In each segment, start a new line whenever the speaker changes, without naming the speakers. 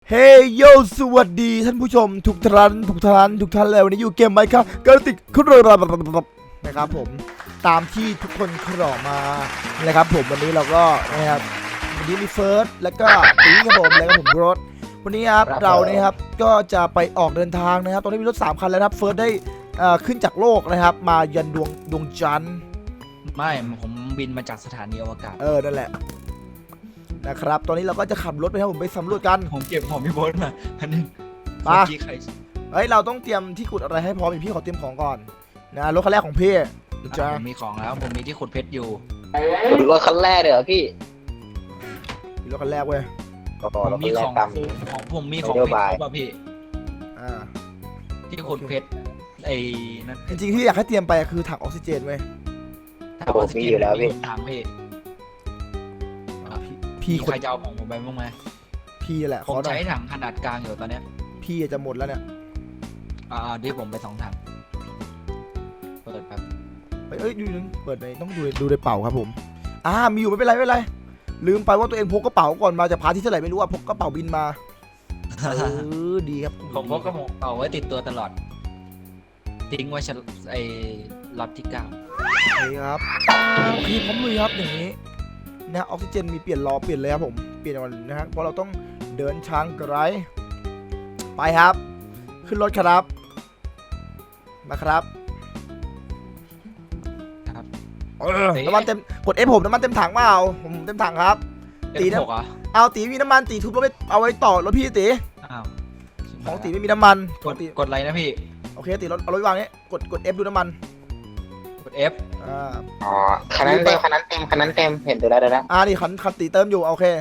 เฮ้ยโยสวัสดีท่านผู้ชมทุกท่านเลยวันนี้อยู่เกมไหมครับก็ติดขึ้นเลยนะครับผมตามที่ทุกคนขอมานะครับผมวันนี้เราก็นะครับวันนี้มีเฟิร์สแล้วก็ตีครับผมแล้วก็ผมรถวันนี้ครับเราเนี่ยครับก็จะไปออกเดินทางนะครับตอนนี้มีรถ3 คันแล้วครับเฟิร์สได้ขึ้นจากโลกนะครับมายันดวงจันทร์
ไม่ผมบินมาจากสถานีอวกาศ
นั่นแหละนะครับตอนนี้เราก็จะขับรถไปครับผมไปสำรวจกัน
ผมเก็บของพี่โบ๊ทมาอันนึง
เฮ้ยเราต้องเตรียมที่ขุดอะไรให้พร้อมพี่ขอเตรียมของก่อนนะรถคันแรกของพี่จ้า
ผมมีของแล้วผมมีที่ขุดเพชรอยู่
รถคันแรกเลยเหรอพี่
รถคันแรกเว้ย
ผมมีของผมมีของเพชรป่ะพี่ที่ขุดเพชรไอ้นั่น
จริงๆที่อยากให้เตรียมไปคือถังออกซิเจนเว้ย
ผมมีอยู่แล้วพี่
ถัง
พี่
ใครจะเอาของผมไปบ้างไหม
พี่แหละ
ผมใช้ถังขนาดกลางอยู่ตอนเนี้ย
พี่จะหมดแล้วเนี่ย
ที่ผมไป2 ถังเปิดครับ
เอ้ยดูนึงเปิดในต้องดูในเป่าครับผมมีอยู่ไม่เป็นไรลืมไปว่าตัวเองพกกระเป๋าก่อนมาจากพาร์ทที่เท่าไหร่ไม่รู้พกกระเป๋าบินมาดีครับ
ผมพกกระเป๋าไว้ติดตัวตลอดทิ้งไว้ไอ้ล็อตที่9
นี่ครับพี่พร้อมลุยครับอย่างนี้นะออกซิเจนมีเปลี่ยนเลยครับผมเปลี่ยนวันนะฮะเพราะเราต้องเดินทางไกลไปครับขึ้นรถครับมาครับน้ำมันเต็มกด F ผมน้ำมันเต็มถังเปล่าผมเต็มถังครับตีนะเอาตีมีน้ำมันตีทุบรถไปเอาไว้ต่อรถพี่ตีของตีไม่มีน้ำมัน
กดอะไรนะพี่
โอเคตีรถเอารถวางนี้กด F ดูน้ำมัน
กด F
คันนั้นเต็มเห็นตัวแล้ว
นี่คันตีเติมอยู่โอเค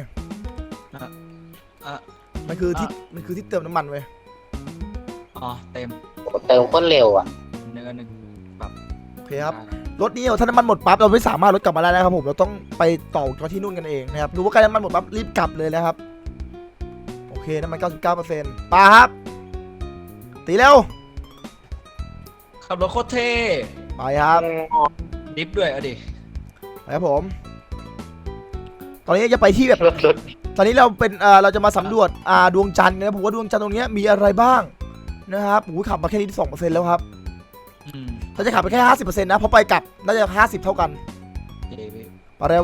มันคือที่เติมน้ำมันเว้ย
เต็ม
คนเร็วอ่ะ
1แบบ
โอเคครับรถนี้ถ้าน้ำมันหมดปั๊บเราไม่สามารถรถกลับมาได้นะครับผมเราต้องไปต่อที่นู่นกันเองนะครับรู้ว่าใกล้น้ำมันหมดปั๊บรีบกลับเลยนะครับโอเคน้ำมัน 99%ปาครับตีเร็ว
ขับรถโคตรเท่
ไปครับ
ดิฟด้วยดิ
ไปครับผมตอนนี้จะไปที่แบบตอนนี้เราเป็นเราจะมาสำรวจดวงจันทร์นะผมว่าดวงจันทร์ตรงนี้มีอะไรบ้างนะครับขับมาแค่นี้ 2% แล้วครับเราจะขับไปแค่ 50% นะเพราะไปกลับน่าจะ50เท่ากันมาเร็ว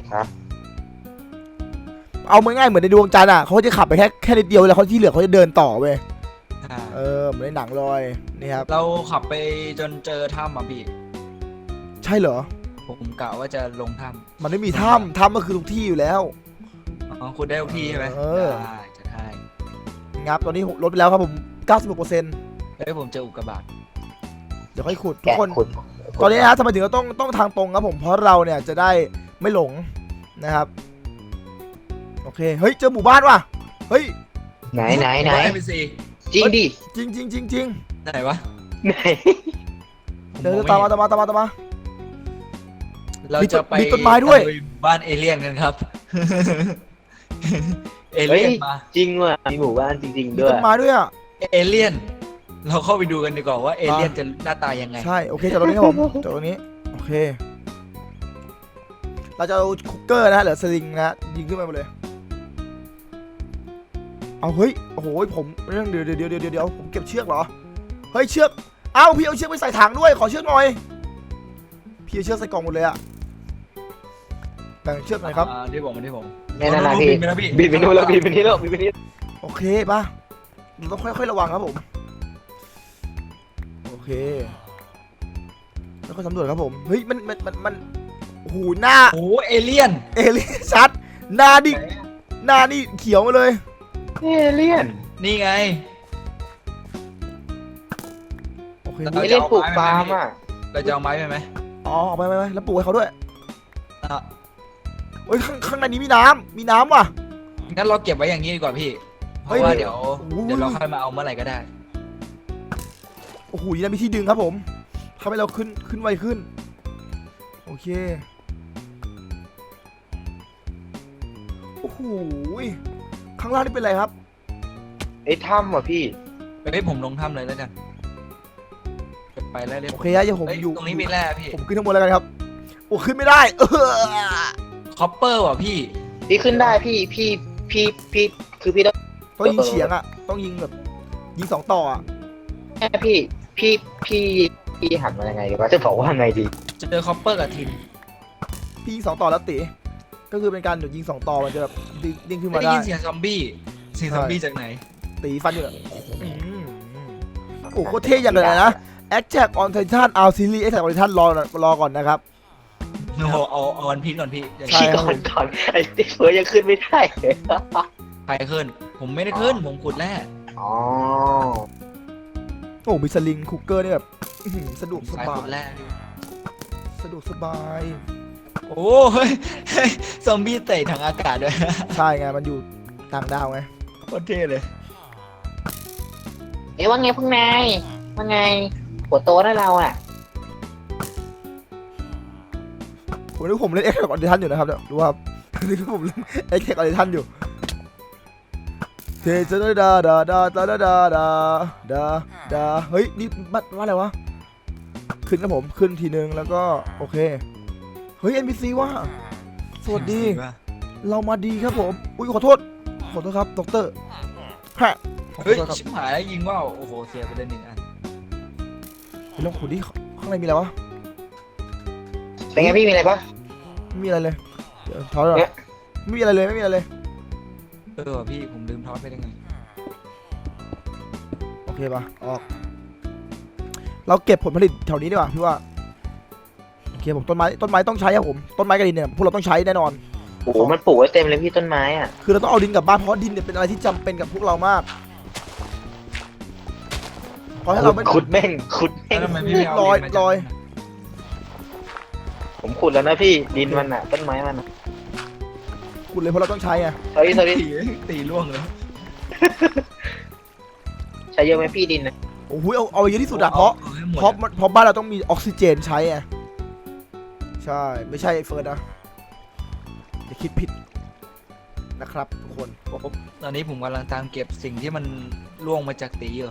เอาง่ายๆเหมือนในดวงจันทร์เขาจะขับไปแค่นิดเดียวแล้วเขาที่เหลือเขาจะเดินต่อเว้ยเหมือนในหนังเลยนี่ครับ
เราขับไปจนเจอถ้ำพี่
ใช่เหรอ
ผมกะว่าจะลงถ้
ำมันไม่มีถ้ำก็คือทุกที่อยู่แล้ว
คุณได้ทุกที่ใช่ไหมได้
งับตอนนี้ลดไปแล้วครับผม 96%
ผมเจออุกกาบาต
เดี๋ยวค่อยขุดทุกคนตอนนี้นะทำไมถึงเราต้องทางตรงครับผมเพราะเราเนี่ยจะได้ไม่หลงนะครับโอเคเฮ้ยเจอหมู่บ้านว่ะเฮ้ย
ไหนจริงดิ
จริง
ไหนวะ
ไหน
เดินตามมา
เราจะไป
ต้นไม้ด้วย
บ้านเอเลี่ยนกันครับเอเลี่ยนมา
จริงว่ะมีหมู่บ้านจริงๆด้วย
ต้นไม้ด้วย
เอเลี่ยนเราเข้าไปดูกันดีกว่าว่าเอเลี่ยนจะหน้าตายังไง
ใช่โอเคจากตรงนี้ครับผมจากตรงนี้โอเคเราจะเอาคุกเกอร์นะหรือสลิงนะยิงขึ้นไปหมดเลยเอาเฮ้ยโอ้โหผมเรื่องเดี๋ยวผมเก็บเชือกเหรอเฮ้ยเชือกพี่เอาเชือกไปใส่ถังด้วยขอเชือกหน่อยพี่เอาเชือกใส่กล่องหมดเลยอะแบ่งเชือกหน่อยครับ
ที่ผม
นั่นพี่บินไปนู่นแล้วบินไปนี่
โอเคป่ะเราต้องค่อยๆระวังครับผมโอเคแล้วก็สำรวจครับผมเฮ้ยมันหูหน้า
เอเลี่ยน
ชัดหน้านี่เขียวมาเลย
เอเลี่ยน
นี่ไง
โอเค
เราจะปลูกฟาร์มอ่ะ
เราจะเอาไม้ไปไหม
เอาไปแล้วปลูกให้เขาด้วยโอ้ยข้างในนี้มีน้ำว่ะ
งั้นเราเก็บไว้อย่างนี้ดีกว่าพี่เพราะว่าเดี๋ยวเราค่อยมาเอาเมื่อไหร่ก็ได้
โอ้โหนี่มีที่ดึงครับผมทำให้เราขึ้นไวขึ้นโอเคโอ้โหข้างล่างนี่เป็นอะไรครับ
ถ้ำว่ะพี่
ผมลงถ้ำเลยแล้วกันไปแล้ว
โอเคอย่าผมอยู่
ตรงนี้มีแร่พี่
ผมขึ้นข้างบนแล้วกันครับโอ้ขึ้นไม่ได้
คอปเปอร์ว่ะพี่
ขึ้นได้พี่คือพี่ต้อง
ต้องยิงเฉียงอ่ะต้องยิงแบบยิง2 ต่ออ่ะ
แม่พี่หันมายังไงดีวะจะบอกว่าไงดี
เจอคอปเปอร์กับทิน
พี่ยิง2 ต่อแล้วตีก็คือเป็นการยิง2 ต่อมันจะแบบดิ้งขึ้น
ไม่
มา
ได้
ได้
ยินเสียงซอมบี้เสียงซอมบี้จากไหน
ตีฟันอยู่เนี่ยโอ้โหโคตรเท่อย่างเลยนะ Attack on Titan R Series Attack on Titan รอก่อนนะครับ
โอ้โหเอาวันพีชก่อนพี่เดี๋ยว
ใช่
พี่ก่อนไอ้เฟิร์สยังขึ้นไม่ได้เลย
ใครขึ้น ผมไม่ได้ขึ้นผมขุดแร่
อ๋อ
โอ้มีสลิงคุกเกอร์นี่แบบอื้อหือสะดวกส
สาย
บา
ขุ
ย
ดแร่พี่
สะดวกสบาย
โอ้เฮ้ยซอมบี้เตะทางอากาศด้วย
ใช่ไงมันอยู่ต่างดาวไง
โคตรเท่เลย
เอ๊ะว่าไงพวกนายว่าไงหัวโตนะเราอ่ะ
ผมเล่น Attack on Titan อยู่นะครับเนี่ยดูว่านี่ผมเล่น Attack on Titan อยู่เทจะดาดาดาดาดาดาดาดาดาเฮ้ยนี่ว่าอะไรวะขึ้นนะผมขึ้นทีนึงแล้วก็โอเคเฮ้ย NPC ว่าสวัสดีเรามาดีครับผมอุ้ยขอโทษครับดรฮะขอ
เฮ้ย
โทษครับ
ชิบหายแล้วยิงว่าวโอ้โหเสียไปเลย1 อัน
ไปลองขุดดิข้างในมีอะไรวะ
เป็นไงพี่มีอะไรปะ
ไม่มีอะไรเลยเดี๋ยวถอยก่อนไม่มีอะไรเลยไม่มีอะไรเลย
ว่ะพี่ผมลืมทอดไปได้ไง
โอเคปะออกเราเก็บผลผลิตแถวนี้ดีกว่าพี่ว่าโอเคผมต้นไม้ต้องใช้ครับผมต้นไม้กับดินเนี่ยพวกเราต้องใช้แน่นอน
โอ้โหมันปลูกไว้เต็มเลยพี่ต้นไม้อ่ะ
คือเราต้องเอาดินกลับบ้านเพราะดินเนี่ยเป็นอะไรที่จำเป็นกับพวกเรามากเพราะถ้าเราไม่
ขุดแม่งขุดแม่ง
แล้วทำไมไม่เอา
ลอย
ดินมาจาก
ลอย
ผมขุดแล้วนะพี่ดินมันอ่ะต้นไม้มันอะ
ขุดเลยเพราะเราต้องใช้ไง
sorry
ตีล่วงเลย
ใช้เยอะไหมพี่ดินนะ
โอ้โหเอาเยอะที่สุดอะเพราะ
อให้หมด
เพราะบ้านเราต้องมีออกซิเจนใช้ไงใช่ไม่ใช่ไอ้เฟิร์นนะอย่าคิดผิดนะครับทุกคน
ตอนนี้ผมกำลังตามเก็บสิ่งที่มันล่วงมาจากตีอยู่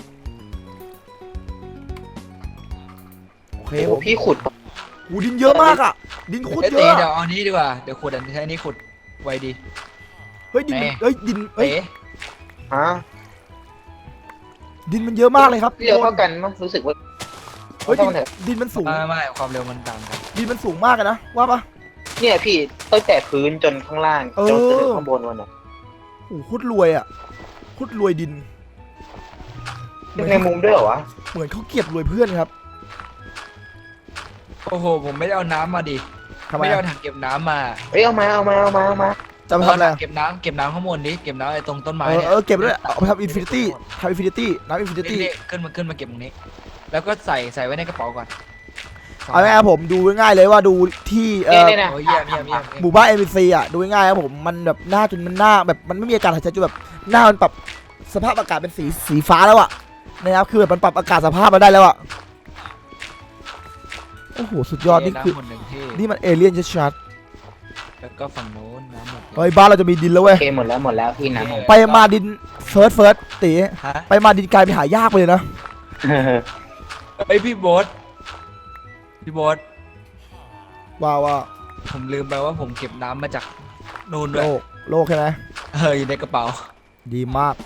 โอเค
โอ้
ผ
โห
ม
พี่ขุด
หูดินเยอะมากอะดินโคตร
เอ้ย
เย
ตี
อะ
เดี๋ยว
อะ
เอานี้ดีกว่าเดี๋ยวขุดอันใช้อันนี้ขุดไวดี
เฮ้ยดิน
แหม่
เฮ้ยดินเฮ้ย
เอ๊ะ
ฮะ
ดินมันเยอะมากเลยครับ
เร็วเท่ากันมั้งรู้สึกว่า
เฮ้ย
เท่ากันเถอะ
ดินมันสูง
ไม่ความเร็วมันต่างกัน
ดินมันสูงมากอะนะว่าปะ
เนี่ยพี่ตั้งแต่พื้นจนข้างล่าง
เออ
จนถึงข้างบนวันน่ะ
โอ้โหโคตรรวยอะโคตรรวยดิน
ในมุมด้วยเหรอวะ
เหมือนเขาเก็บรวยเพื่อนครับ
โอ้โหผมไม่ได้เอาน้ำมาดิ
ทำไม
ไม่ได้เอา
อะ
ถังเก็บน้ำมา
เฮ้ยเอามา
จะไปทำอะไร
ถังเก็บน้ำข้างบนดิเก็บน้ำไอ้ตรงต้นไม้เนี่ย
เก็บด้วยเอาไปทำอินฟินิตี้น้ำอินฟินิตี้
นี่ขึ้นมาเก็บตรงนี้ แล้วก็ใส่ไว้ในกระเป๋าก่อน
เอาง่ายๆครับผมดูง่ายๆเลยว่าดูที่
เนี่ยนะ
โอ้ยเยี่ยม
หมู่บ้าน NPC อ่ะดูง่ายๆครับผมมันแบบหน้าจนมันหน้าแบบมันไม่มีอากาศหายใจจนแบบหน้ามันปรับสภาพอากาศเป็นสีฟ้าแล้วอ่ะนะครับคือแบบมันปรับอากาศสภาพมาได้แล้วอ่ะโอ้โหสุดยอดนี่คือ
ำหมดหนึ่งที่
นี่มันเอเลี่ยนชัด
แล้วก็ฝั่งโน้นน้ำหมด
ๆเฮ้ยบ้านเราจะมีดินแล้วเว้
โอย เคหมดแล้วพี่น้ำหมด
ไปมาดินเฟิร์สตี
ฮะ
ไปมาดินกลายเป็นหายากไปเลยนะ
ไอยพี่โบ๊ท
ว่า
ผมลืมไปว่าผมเก็บน้ำมาจากนู่นด้วย
โลกใช่ไหม
อยู่ในกระเป๋า
ดีมาก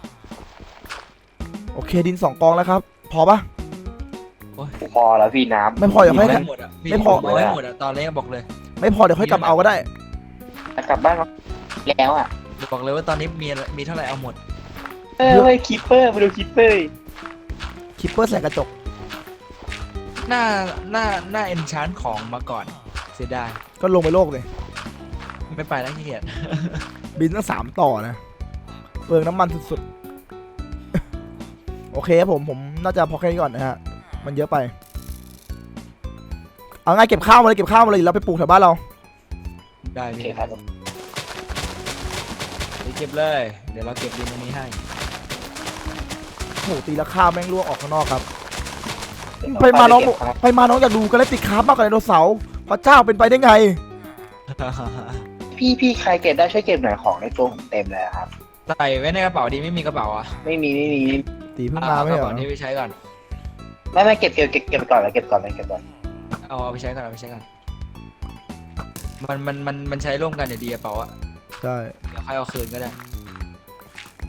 โอเคดิน2 กองแล้วครับพอปะ
พอแล้วพี่น้ำ
ไม่พออย่าให้
ไม่หมดอ่ะพี่
ไม่พอ
ผมไม่หมดอ่ะตอนนี้บอกเลย
ไม่พอเดี๋ยวค่อยกลับเอาก็ได้
กลับบ้านแล้วอ่ะ
บอกเลยว่าตอนนี้มีเท่าไหร่เอาหมด
เฮ้ยคิปเปอร์มาดูคิปเปอร์
คิปเปอร์ใส่กระจก
หน้าเอนชานของมาก่อนเสียดาย
ก็ลงไปโลกเลย
ไม่ไปแล้วขี้เกียจ
บินตั้ง3 ต่อนะเปลืองน้ำมันสุดๆ โอเคครับผมน่าจะพอแค่นี้ก่อนนะฮะมันเยอะไปเอาง่ายเก็บข้าวมาเลยเดี๋ยวเราไปปลูกแถวบ้านเรา
ได้
โอเค
พี่
ครับ
เดี๋ยวเก็บเลย เดี๋ยวเราเก็บดินตรงนี้ให้
โอ้โหตีละข้าวแม่งล่วงออกข้างนอกครับไปมาน้องอยากดูกันเลยติดคาร์บมากกว่าไดโนเสาร์พระเจ้าเป็นไปได้ไง
พี่ใครเก็บได้ช่วยเก็บหน่อยของในตัวผมเต็มเลยครับ
ใส่ไว้ในกระเป๋าดีไม่มีกระเป๋าอ่ะ
ไม่มี
ตีเพิ่งมาไม่
ก
เห
ระ
รอ
เป๋านี้ไปใช้ก่อน
ไม่เก็บไปก่อนเลยเก็บก่อน
เอาไปใช้ก่อนมันใช้ร่วมกันเดี๋ยวดีกระเป๋าอ่ะ
ใช่
เดี๋ยวค่อยเอาคืนก็ได้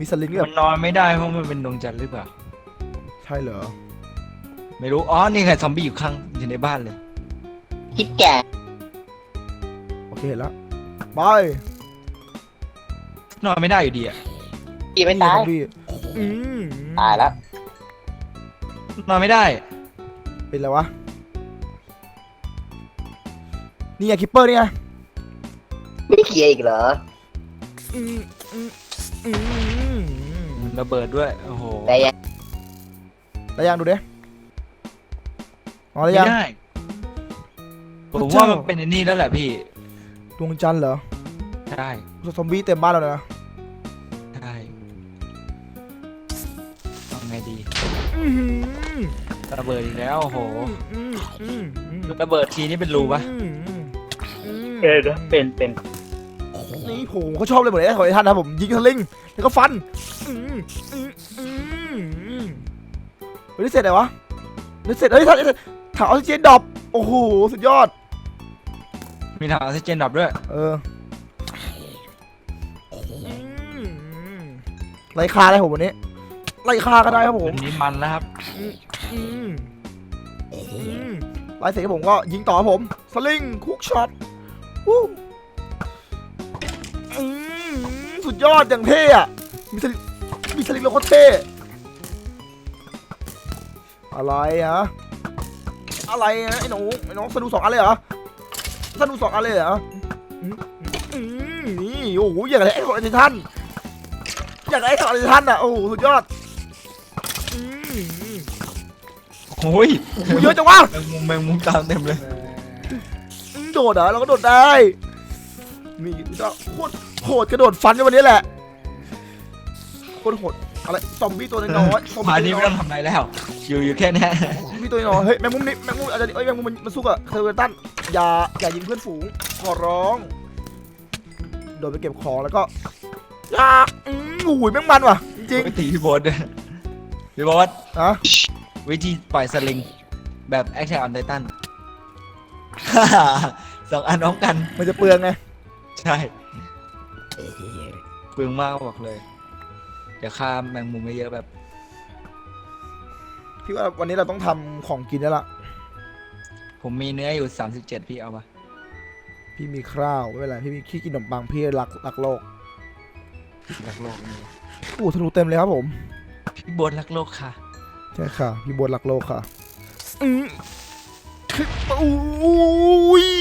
มีสลิงแบบ
มันนอนไม่ได้เพราะมันเป็นดวงจันทร์หรือเปล่า
ใช่เหรอ
ไม่รู้อ๋อนี่ไงซอมบี้อยู่ข้างอยู่ในบ้านเลย
คิดแก่
โอเคเห็นแล้วไป
นอนไม่ได้อยู่ดีอะ
พี่ไม่ตาย
พี่อืม
ตายแล้ว
นอนไม่ได้
เป็นไรวะนี่ไงคิปเปอร์นี่ไง
ไม่เคลียร์อีกเหรอ
อืมอืมอืม
ระเบิดด้วยโอ้โห
แต่ยัง
ได้ยังดูดิอ๋อได้
ไม่
ยัง
ได้ผม
พระเจ้า
ว่ามันเป็นไอ้นี่แล้วแหละพี่
ดวงจันทร์เหรอ
ใช่
ซอมบี้เต็มบ้านแล้วนะ
ใช่ทำไงดี
อื้อหือ
ระเบิดอีกแล้วโอ้โห
อืมอืมอืม
ระเบิดทีนี่เป็นรูปะ
อืมอืมอืม
เป็น
นี่ผมเขาชอบเลยหมดเลยนะขอให้ท่านนะผมยิงสลิงแล้วก็ฟันอืมอืมอืมอืมเฮ้ยนี่เสร็จไหนวะนี่เสร็จเฮ้ยท่านถังออกซิเจนดรอปโอ้โหสุดยอด
มีถังออกซิเจนดับด้วย
เออไล่ฆ่าได้ผมวันนี้ไล่ฆ่าก็ได้ครับผม
วันนี้มันแล้วครับ
อืมไล่เสร็จผมก็ยิงต่อครับผมสลิงคุกช็อตวู้อืมสุดยอดอย่างเท่อะมีสลิงแล้วก็เท่อะไรฮะอะไรนะไอ้น้องสนุก2 อันเลยเหรอสนุก2 อันเลยเหรอนี่โอ้โหอย่างไรไอ้ของไอ้ท่านอย่างไรไอ้ของไอ้ท่านอ่ะโอ้โหสุดยอด
โอ้ย
เยอะจังวะ
แมงมุมตามเต็มเลย
โดดเหรอเราก็โดดได้มีก็โคตรโหดกระโดดฟันกันวันนี้แหละโคตรโหดอะไรซอมบี้ตัวน้อยๆซอม
มา
บี้
นี้
ตัว
ไม่
น้
ต้องทำอะไรแล้ว อยู่แค่เนี้ย
อยตัวน้อยเฮ้ยแมงมุมนี่แมงมุมอาจจะแมงมุมมันสู้กับเคอร์เวตันอย่ายิงเพื่อนฝูงขอร้องโดดไปเก็บของแล้วก็อุ้ยแม่งมันว่ะจริง
ไปตีพี่โบอสด้วยพี่โบอส
ๆนะ
วิธีปล่อยสลิง แบบแอคชั่นออนไททัน 2 อันพร้อมกัน
มันจะเปลืองไง
ใช่เปลืองมากบอกเลย เดี๋ยวฆ่าแมงมุมไม่เยอะแบบ
พี่ว่าวันนี้เราต้องทำของกินแล้วล่ะ
ผมมีเนื้ออยู่ 37 พี่เอาปะ
พี่มีข้าวไม่เป็นไรพี่มีขี้กินขนมปังพี่รักโลก
รักโลกนี่
โอ้ทะลุเต็มเลยครับผม
พี่โบอสรักโลกค่ะ
ใช่ค่ะพี่บนรักโลกค่ะอุ้ย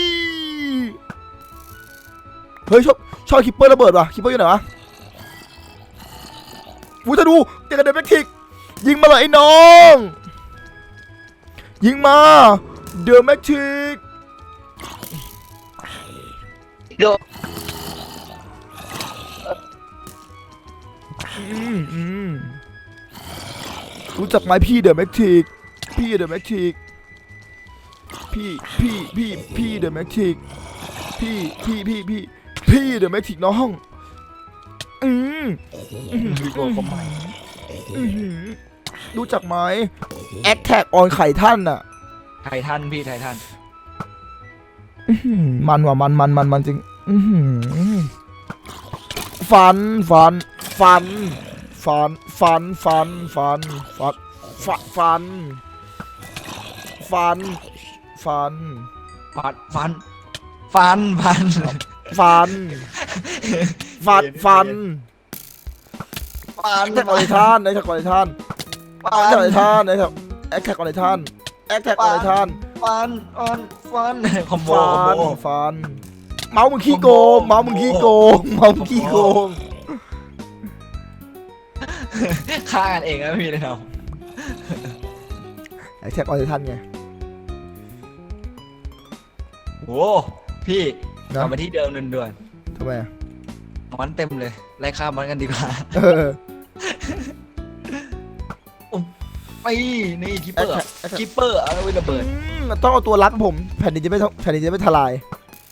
เฮ้ยชอบคิปเปอร์ระเบิดว่ะคิปเปอร์อยู่ไหนวะวูจะดูเด็กกระเด็นแม็กทิกยิงมาเลยไอ้น้องยิงมาเดอะแม็กทิก
โดน
รู้จักไหมพี่เดอะแม็กทิกพี่เดอะแม็กทิกพี่เดอะแม็กทิกพี่เดอะแม็กทิกน้อง
พี่โบอสก็ใหม่
รู้จักไหมแอคแท็กออนไข่ท่านอ่ะ
ไททันพี่ไททัน
มันว่ะมันจริงฟันฟันฟันฟันฟันฟันฟันฟันฟันฟันฟัน
ฟัน
ฟันฟันแอคแท็กออนไท่านแอคแท็กออนไท่านแอคแท็กออนไท่านแอคแท็กออนไท่านแอคแท็กออนไท่าน
ฟันคอมโบ
ฟันเมาส์มึงขี้โกงเมาส์มึงขี้โกง
ฆ่ากันเองนะพี่เลยเนาะ
แอคแท็กออนไท่านไง
โอ้พี่
นะ
กลับมาที่เดิมด่วน
ทำไมอะ
ๆมันเต็มเลยไล่ฆ่ามันกันดีกว่า ไปนี่คิปเปอร์เอาไว้ระเบิด
ต้องเอาตัวรัดผมแผ่นดินจะไม่ทลาย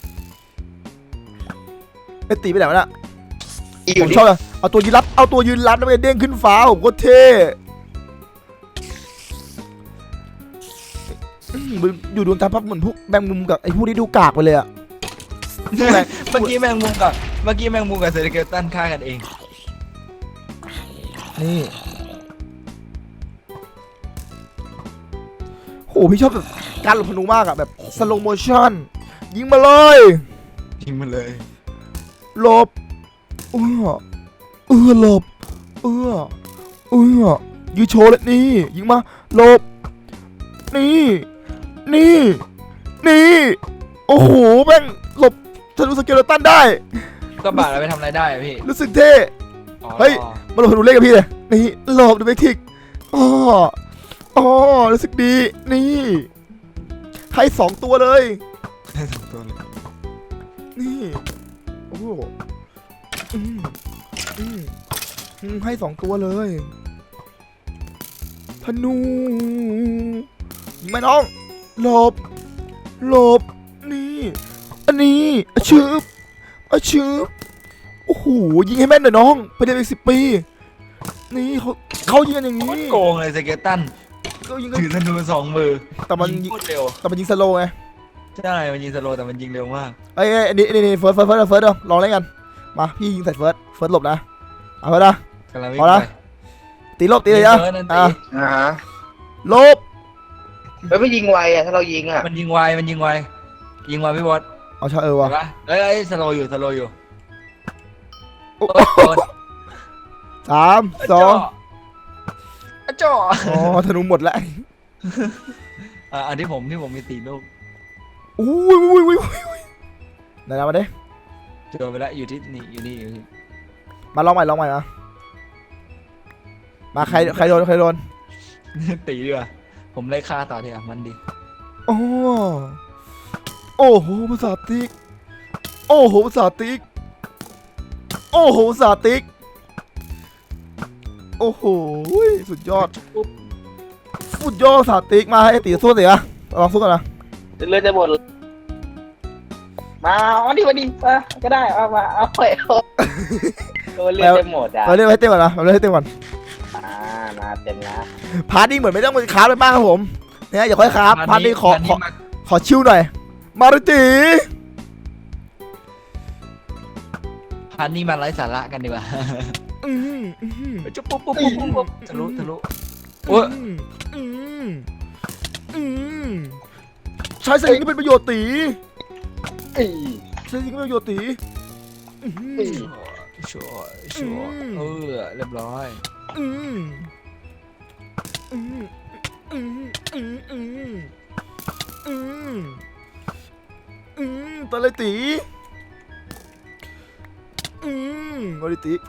ไอ้ตีไปไหนวะน่ะ
อยู่
ผม
ดิ
ชอบเลยเอาตัวยืนรัดแล้วมันเด้งขึ้นฟ้าผมก็เท่อยู่ดวงตาพับเหมือนพวกแบงมุมกับไอ้พวกนี้ดูกากไปเลยอะ
เมื่อกี้แมงมุมกับเซอร์เกลตันฆ่ากันเอง
นี่โหพี่ชอบแบบการหลบพนูมากอะแบบสโลโมชั่นยิงมาเลย
ทิ้งมันเลย
หลบหลบยืนโชว์เลยนี่ยิงมาหลบนี่โอ้โหแม่งหลบทะลุสเกเลตันได้
ก็บาดเราไปทำอะไรได้อะพี่
รู้สึกเท่
อ๋อ
เฮ้ย มาหลบพนูเล่นกับพี่เลยนี่หลบดูเบคทิกอ๋อรู้สึกดีนี่ให้2 ตัวเลย
ได้สองตัวเลย
นี่โอ้โหให้2 ตัวเลยธนูยิงไหมน้องหลบนี่อันนี้ชืบโอ้โหยิงให้แม่นหน่อยน้องไปเรียนอีก10 ปีนี่เขายิงกันอย่าง
โค
นี้
ตรโกงเลยสเกตตัน
เขายิงกัน
ถือธนู2 มือ
แต่มัน
ยิงโคตรเร็ว
ยิงสโลว์ไง
ใช่มันยิงสโลว์แต่มันยิงเร็วมาก
ไอ้อันนี้เฟิร์สเดี๋ยวลองเล่นกันมาพี่ยิงใส่เฟิร์สหลบนะเอาไปนะ
กำลังวิ่ง
พอ
ไป
ละ ตีหลบตีเลยนะ
เฟิร์สนั่นตี
ฮะ
หลบ
ไม่ยิงไวอ่ะถ้าเรายิงอ่ะ
มันยิงไวยิงไวพี่บอส
เอาชา
เห็
วะ
นปะเอ้ยสโลว์อยู่
โอ้
โดน
3 2
จ่อ
อ๋อธนูหมดแล้ว
อันที่ผมมี4 ลูก
อุ้ยไหนมาดิ
เจอไปแล้วอยู่ที่นี่
มาลองใหม่นะมาใครโดน
ตีดีกว่าผมไล่ฆ่าต่อเถอะมันดี
โอ้โหภาษาติ๊กโอ้โหภาษาติ๊กโอ้โหภาษาติ๊กโอ้โหสุดยอดภาษาติ๊กมาให้ตีสู้สิอะลองสู้กันนะ
เลือดจะหมดมาวันดีก็ได้เอามาเอาไปเลือดจะหมดอ่ะ
เราเล่นให้เต็มก่อนนะเราเล่นให้เต็มก่อน
มาเต็มนะ
พาร์ทนี้เหมือนไม่ต้องไปคราฟเลยมากครับผมเนี่ยอย่าค่อยคราฟพาร์ทนี้ขอชิวหน่อยมาริตี
พาร์ทนี้มาไร้สาระกันดีกว่า จุ๊บปุ๊บทะลุโอ้ย
ใช้สิ่งที่เป็นประโยชน์ตี
อี
ใช้สิ่งที่เป็นประโยชน์ตี
ชัวเรียบร้อย
ตะเลยตีมาดิตี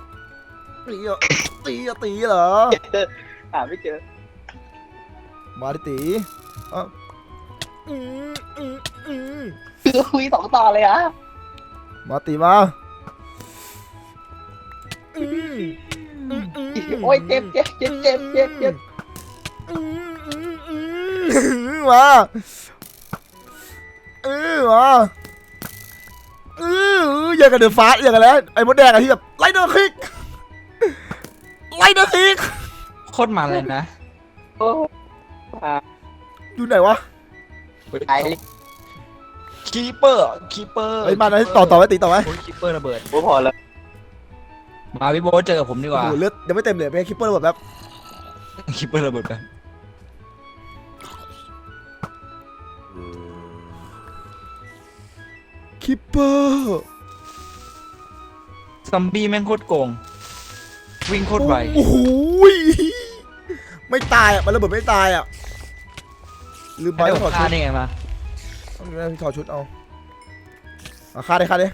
ตีเหรอ
หาไม่เจอ
มาดิตี
คุย2 ต่อเลยอ่ะ
มาตีมา
โอ้ยเจ็บ
มาอย่างกับเดือดฟ้าอย่างกันแล้วไอ้มดแดงอะที่แบบไล่เดอร์คิก
โคตรมันเลยนะ
โอ้
อยู่ไหนวะ
ไอ้
คีเปอร์
ไอ้มาไหนต่อไว้ตีต่อไว้
โอ้ยคีเปอร์ระเบิด
พอแล้ว
มาพี่โบ๊ทเจอกับผมดีก
โอ้
ว่า
โหเลือดยังไม่เต็มเลยไปคิปเปอร์แบบ
คีเปอร์ระเบิดไป
คิปเปอร์
ซัมบี้แม่งโคตรโกงวิ่งโคตรไว
โอ้โหไม่ตายอ่ะมันระเบิดไม่ตายอ่ะลืมไป
ไม่ได้
ต้องถอด
ฆ่า
ชุด
ได้ไงมา
ต้องถอดชุดเอาฆ่าดิ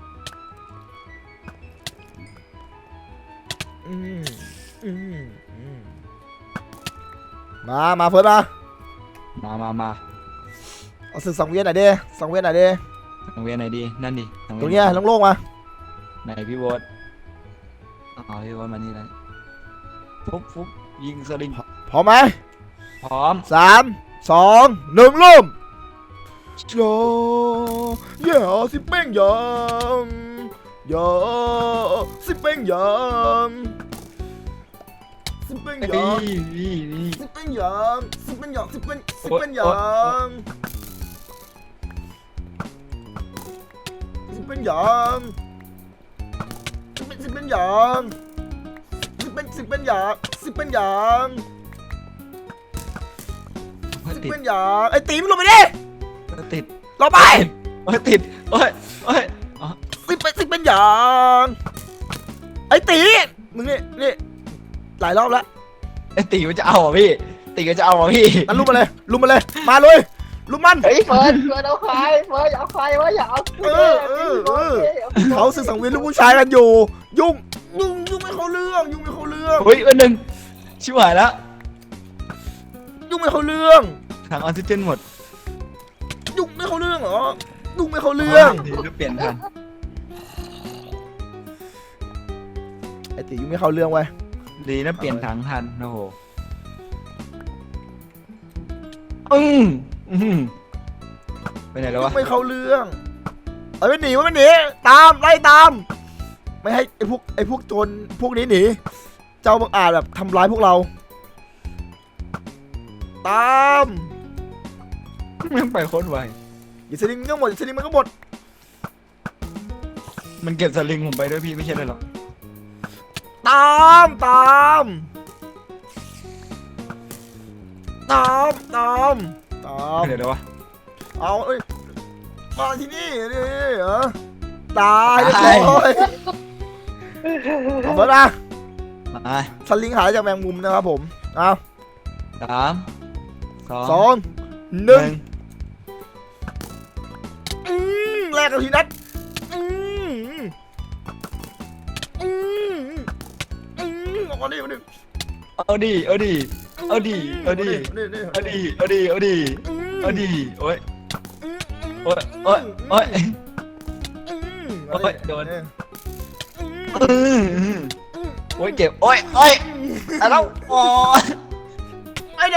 มาเฟิร์ส
มา
เอาศึก2 เวียนหน่อยดิ2 เวียนหน่อยดิ
ทางเวียนไหนดีนั่นดิ
ตรงเนี้ยโล่งๆมา
ไหนพี่โบ๊ทเอาพี่โบ๊ทมานี่เลยฟุบยิงสลิง
พร้อมไหม
พร้อม
3 2 1เริ่มโยอย่าสิเป้งยังอย่าสิเป้งยังสิเป้งยัง
นี่
สิเป็นหยางสิเป็นหยางสิเป็นหยางสิเป็นหยางสิเป็นหยางสิเป็น 10เป็นอย่าง10เป็นอย่าง
โอ้ย
10
ติด
เป็นอย่างไอ้ตีมงลงไปดิ
ติด
ลงไป
โอ้ยติดโอ้ยโอ้ยอ๋อ
10เป็นอย่างไอ้ตีมึงนี่หลายรอบแล้ว
ไอ้ตีมันจะเอาเหรอพี่ตีก็จะเอาเหรอพี่
นั่นลุมมาเลยมาเลยลุมมัน
เฮ้ยเฟิร์นเอาใครเฟิร์นเอาใครวะอย่าเอากูเลย
เขาศึกสังเวียนลูกผู้ชายกันอยู่ยุ่งไม่เข้าเรื่อง
เฮ้ยวันหนึ่งชิบหายแล้ว
ยุ่งไม่เข้าเรื่อง
ถังออกซิเจนหมด
ยุ่งไม่เข้าเรื่องเหรอยุ่งไม่เข้าเรื่อง
ดีก็เปลี่ยนทัน
ไอ้ตียุ่งไม่เข้าเรื่องไว้ย
ดีนะเปลี่ยนถังทันโอ้โหไปไหนแล้ว
ยุ่
วะ
งไม่เข้าเรื่องไม่หนีตามไล่ตาม ไม่ให้ไอ้พวกโจรพวกนี้หนีเจ้าบังอาจแบบทำร้ายพวกเรา ตาม
มันไปโคตรไว
อย่าสลิงมันก็หมด
มันเก็บสลิงผมไปด้วยพี่ไม่ใช่เลยหรอก
ตาม
ไปไหนแล้ววะ
เอาเอ้ยมาที่นี่เหรอตายเรียบร้อยเอาไปนะ
มา
สลิงหายจากแมงมุมนะครับผมเอา
3
2 1 แรกกับทีนัดเอาก่อนดิมาดิ
เอาดีโอ้ยโอ้ยโดนโอ้ยเจ็บโอ้ยแล้วอ๋อ
ไปไหน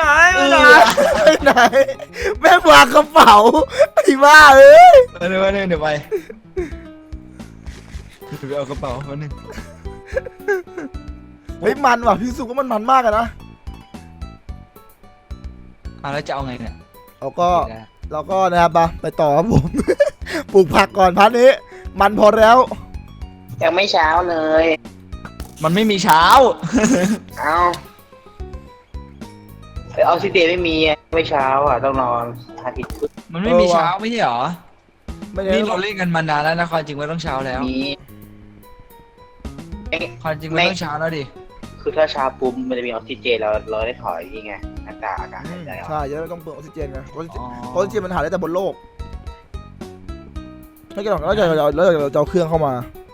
แม่งวางกระเป๋าไอ้บ้าเอ้ย
เดี๋ยวไปเอากระเป๋าคนหนึ่ง
เฮ้ยมันว่ะพี่สุกว่ามันมากอะนะ
แล้วจะเอาไงเนี่ย
เราก็นะครับไปต่อครับผม ปลูกผักก่อนพันนี้ มันพอแล้ว
ยังไม่เช้าเลย
มันไม่มีเช้า
เอาออกซิเจนไม่มีไม่เช้าอ่ะต้องนอนอาทิตย์พุธ
มันไม่มีเช้าไม่ใช่หรอ
ไม่ได้
นี่เราเล่นกันมานานแล้วนะความจริงมันต้องเช้าแล้ว
มี
ความจริงมันต้องเช้าแล้วดิ
คือถ้าเช้าปุ๊บมันจะมีออกซิเจนเราได้ถอยยังไงอากาศหายใจออก
ใช่จะต้องเปลืองออกซิเจนไงเพราะออกซิเจนมันหาได้แต่บนโลกไม่กี่หรอกแล้วเราจะเอาเครื่องเข้ามา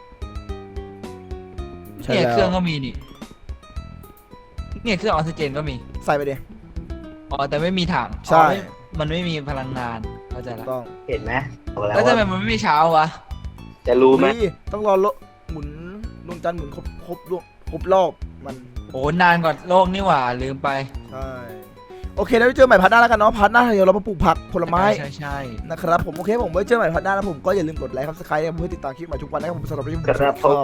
เนี่ยเครื่องก็มีนี่เนี่ยเครื่องออกซิเจนก็มี
ใส่ไปดิ
อ๋อแต่ไม่มีถัง
ใช่
มันไม่มีพลังงานเข้าใจแล้ว
ต้อง
เห็นไหมบอก
แล้วทำไม
ว่า
มันไม่มีเช้าวะ
จะรู้ไหม
ต้องรอหมุนดวงจันทร์หมุนครบรอบมัน
โอ้นานกว่าโลกนี่หว่าลืมไป
ใช่โอเคแล้วไว้เจอใหม่พาร์ทหน้าแล้วกันเนาะพาร์ทหน้าเดี๋ยวเรามาปลูกผักผลไม้
ใช่
นะครับผมโอเคผมไว้เจอใหม่พาร์ทหน้านะผมก็อย่าลืมกดไลค์ครับสไครต์เพื่อติดตามคลิปใหม่ทุกวันนะครับผมสำหรับวันนี้ผม
ครับผม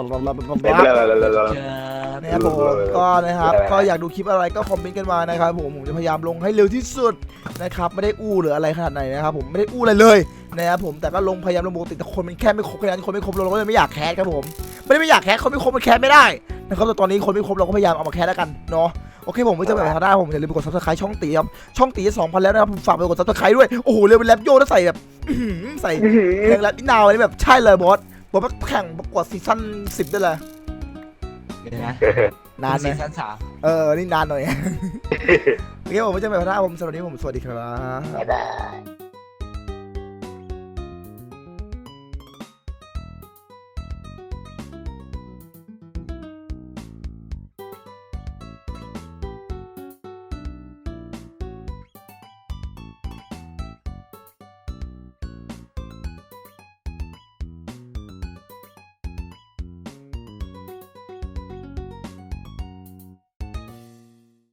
นะครับผมก็นะครับก็อยากดูคลิปอะไรก็คอมเมนต์กันมานะครับผมจะพยายามลงให้เร็วที่สุดนะครับไม่ได้อู้หรืออะไรขนาดไหนนะครับผมไม่ได้อู้อะไรเลยนะครับผมแต่ก็ลงพยายามลงปกติแต่คนมันแค่ไม่ครบขนาดคนไม่ครบเราก็เลยไม่อยากแคสครับผมไม่อยากแคสคนไม่ครบมันแคสไม่ได้นะครับแต่ตอนนี้คนไม่ครบเราก็พยายามเอามาแคสแล้วกันเนาะโอเคผมไว้เจอกันใหม่พาร์ทหน้าผมอย่าลืมไปกด subscribe ช่องตีครับช่องตี 2,000 แล้วนะครับผมฝากไปกด subscribe ด้วยโอ้โหเร็วเป็นแรปโย่แล้วใส่แบบใส่เพลงแรปนี่นาวนี่แบบใช่เลยบอสแข่งประกวดซีซั่น10ได้เลย
เดี๋ยวนะ
นานไหม
ซีซั่น
นี่นานหน่อย โอเคผมไว้เจอกันใหม่พาร์ทหน้าผมสำหรับวันนี้ผมสวัสดีครับ
บ๊ายบาย